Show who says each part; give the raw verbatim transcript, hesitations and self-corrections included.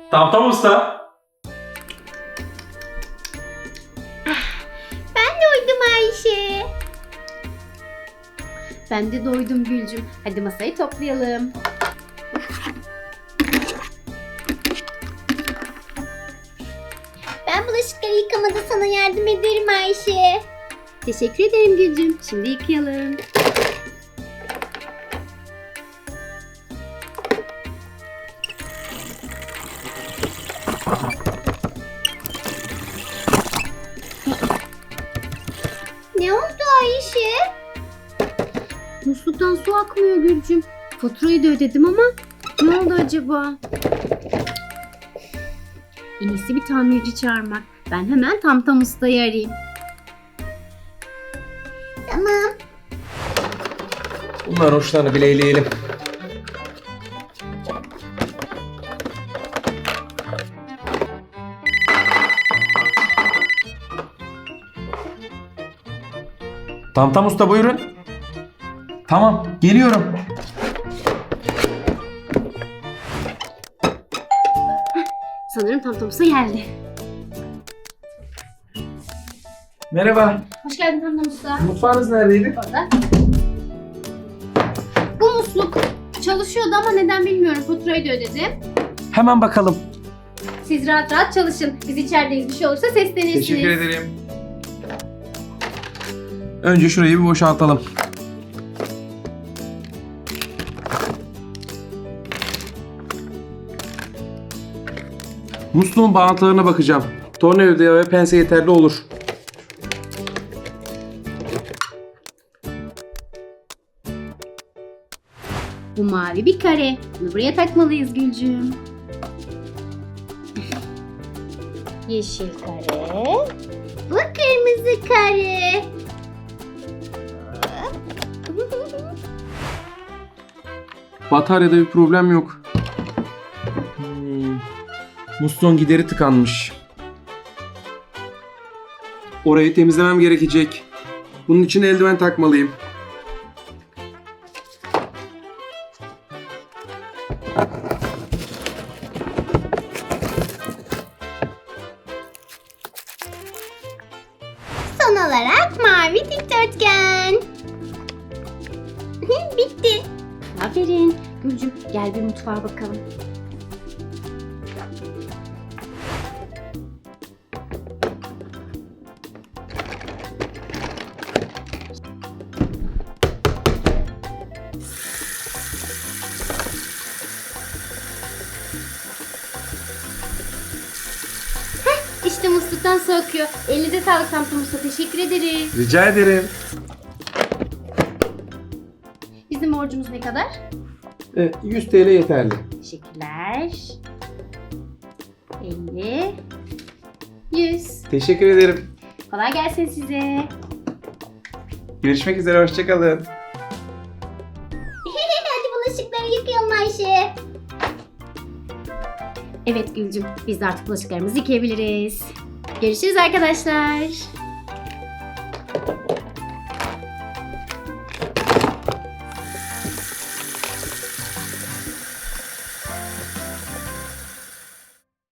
Speaker 1: Tamtam Usta.
Speaker 2: Ben doydum Ayşe. Ben de doydum Gülcüm. Hadi masayı toplayalım. Ben bulaşıkları yıkamada sana yardım ederim Ayşe. Teşekkür ederim Gülcüm. Şimdi yıkayalım. Ne oldu Ayşe? Musluktan su akmıyor Gülcüm. Faturayı da ödedim ama ne oldu acaba? En iyisi bir tamirci çağırmak. Ben hemen Tamtam Usta'yı arayayım. Tamam.
Speaker 1: Bunların uçlarını bileyleyelim. Tamtam Usta buyurun. Tamam, geliyorum.
Speaker 2: Sanırım Tamtam Usta geldi.
Speaker 1: Merhaba.
Speaker 2: Hoş geldin Tamtam Usta.
Speaker 1: Mutfağınız neredeydi?
Speaker 2: Orada. Bu musluk çalışıyordu ama neden bilmiyorum. Faturayı da ödedim.
Speaker 1: Hemen bakalım.
Speaker 2: Siz rahat rahat çalışın. Biz içerideyiz. Bir şey olursa seslenirsiniz.
Speaker 1: Teşekkür ederim. Önce şurayı bir boşaltalım. Musluğun bağıntılarına bakacağım. Tornavida ve pense yeterli olur.
Speaker 2: Bu mavi bir kare. Bunu buraya takmalıyız Gülcüm. Yeşil kare. Bu kırmızı kare.
Speaker 1: Bataryada bir problem yok. Hmm. Musluğun gideri tıkanmış. Orayı temizlemem gerekecek. Bunun için eldiven takmalıyım.
Speaker 2: Son olarak mavi dikdörtgen. Bitti. Aferin. Gülcüm gel bir mutfağa bakalım. Heh, işte musluktan su akıyor. Elinize sağlık Tamtam Usta. Teşekkür ederiz.
Speaker 1: Rica ederim.
Speaker 2: Bizim borcumuz ne kadar?
Speaker 1: Evet, yüz T L yeterli.
Speaker 2: Teşekkürler. elli. yüz.
Speaker 1: Teşekkür ederim.
Speaker 2: Kolay gelsin size.
Speaker 1: Görüşmek üzere, hoşçakalın.
Speaker 2: Hadi bulaşıkları yıkayalım Ayşe. Evet Gülcüm, biz de artık bulaşıklarımızı yıkayabiliriz. Görüşürüz arkadaşlar.